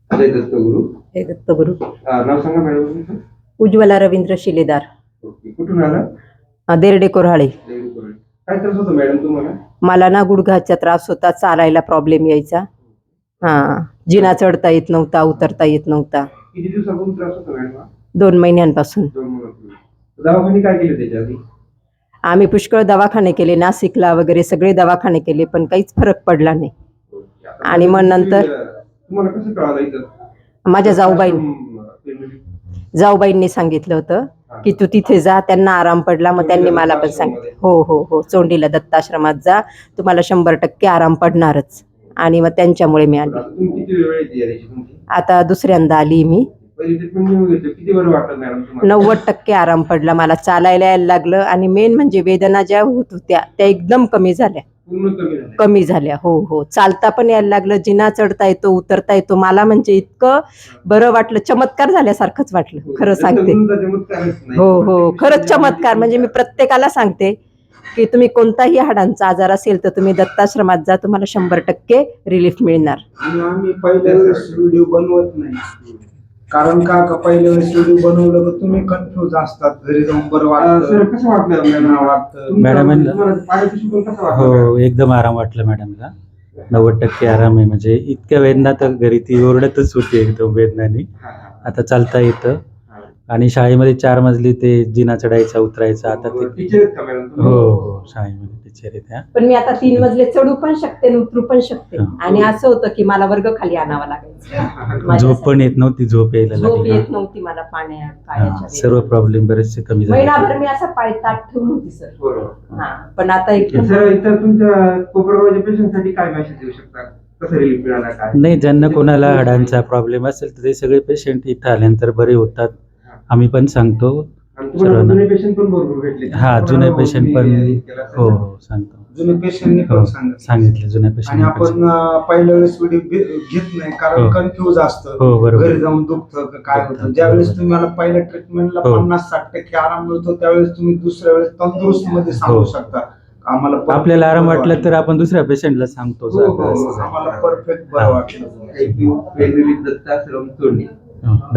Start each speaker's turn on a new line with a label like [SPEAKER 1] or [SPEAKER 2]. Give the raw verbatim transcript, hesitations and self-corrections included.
[SPEAKER 1] जय दत्तगुरु.
[SPEAKER 2] हे दत्तगुरु.
[SPEAKER 1] अ, नाव सांगा मॅडम तुमचं.
[SPEAKER 2] उज्ज्वला रवींद्र शिलेदार.
[SPEAKER 1] ओके. कुठून आला?
[SPEAKER 2] अ, देरडे कोऱ्हाळे.
[SPEAKER 1] काय त्रास होतो मॅडम तुम्हाला?
[SPEAKER 2] मला ना गुडघ्याचा त्रास होता, चालायला प्रॉब्लेम यायचा. हा, जिना चढता येत नव्हता, उतरता येत नव्हता.
[SPEAKER 1] किती दिवसापासून त्रास होतो मॅडम?
[SPEAKER 2] दोन महिन्यांपासून.
[SPEAKER 1] दोन महिन्यापूर्वी. दवाखाने काय केले त्याच्या आधी?
[SPEAKER 2] आम्ही पुष्कळ दवाखाने केले, नाशिकला वगैरे सगळे दवाखाने केले, पण काहीच फरक पडला नाही. आणि मग नंतर
[SPEAKER 1] तुम्हाला कसं कळालं इथं?
[SPEAKER 2] माझ्या जाऊबाई जाऊबाईंनी सांगितलं होतं की तू तिथे जा, त्यांना आराम पडला. मग त्यांनी मला पण सांगितलं, हो हो हो चोंडीला दत्ताश्रमात जा, तुम्हाला शंभर टक्के आराम पडणारच. आणि मग त्यांच्यामुळे मी आली. आता दुसऱ्यांदा आली मी. नव्वद टक्के आराम पडला मला, चालायला यायला लागलं. आणि मेन म्हणजे वेदना ज्या होत होत्या त्या एकदम कमी झाल्या. कमी झाल्या. हो हो, चालता पण यायला लागलं, जिना चढता येतो, उतरता येतो. मला म्हणजे इतकं बरं वाटलं, चमत्कार झाल्यासारखंच वाटलं, खरं सांगते. हो हो, खरंच चमत्कार. म्हणजे मी प्रत्येकाला सांगते की तुम्ही कोणताही हाडांचा आजार असेल तर तुम्ही दत्ताश्रमात जा, तुम्हाला शंभर टक्के रिलीफ मिळणार.
[SPEAKER 3] आम्ही पहिल्या वेळेस व्हिडिओ बनवत नाही, कारण का का पहिल्या वेळेस व्हिडिओ बनवलं तर तुम्ही कन्फ्युज असतात, घरी जाऊन बरं वाटतं.
[SPEAKER 1] कसं वाटलं
[SPEAKER 4] मॅडम? हो, एकदम आराम वाटला मॅडमला. नव्वद टक्के आराम आहे. म्हणजे इतक्या वेदना तर घरी ती ओरडतच होती एकदम वेदनानी. आता चालता येतं. आणि शाळेमध्ये चार मजली ते जिना चढायचा उतरायचा. आता ते हो हो शाळेमध्ये टीचर आहे त्या.
[SPEAKER 2] पण मी आता तीन मजले चढू पण शकते, उतरू पण शकते. आणि असं होतं की मला वर्ग खाली आणावा लागायचा.
[SPEAKER 4] झोप पण येत नव्हती, झोप यायला
[SPEAKER 2] झोप
[SPEAKER 4] लागली.
[SPEAKER 2] येत नव्हती मला पाण्याच्या.
[SPEAKER 4] सर्व प्रॉब्लेम बरेचसे कमी झाले.
[SPEAKER 2] महिनाभर मी असं पाय ताट ठेवून होती सर. हा, पण आता एकदम.
[SPEAKER 1] सर, इतर तुमच्या कोपरगावच्या पेशंटसाठी काय मेसेज देऊ शकता? कसं रिलीफ मिळाला काय?
[SPEAKER 4] नाही, ज्यांना कोणाला हाडांचा प्रॉब्लेम असेल तर ते सगळे पेशंट इथं आल्यानंतर बरे होतात. आम्ही पण सांगतो सर्वांना.
[SPEAKER 1] जुने पेशंट पण भरपूर भेटले.
[SPEAKER 4] हा, जुने पेशंट पण हो हो सांगतो.
[SPEAKER 3] जुने पेशंटनी पण
[SPEAKER 4] सांगितलं जुन्या
[SPEAKER 3] आणि
[SPEAKER 4] पेशंट.
[SPEAKER 3] आपण पहिल्या वेळेस व्हिडिओ घेत नाही, कारण कन्फ्युज असतं,
[SPEAKER 4] हो बरोबर.
[SPEAKER 3] घरी जाऊन दुखतं काय होतं. ज्यावेळेस तुम्हाला पहिल्या ट्रीटमेंटला पन्नास साठ टक्के आराम मिळतो, त्यावेळेस तुम्ही दुसऱ्या वेळेस तंदुरुस्त मध्ये सांगू शकता. आम्हाला
[SPEAKER 4] आपल्याला आराम वाटला तर आपण दुसऱ्या पेशंटला सांगतो.
[SPEAKER 3] आम्हाला परफेक्ट बरं वाटलं.
[SPEAKER 1] दत्ताश्रम चोंडी.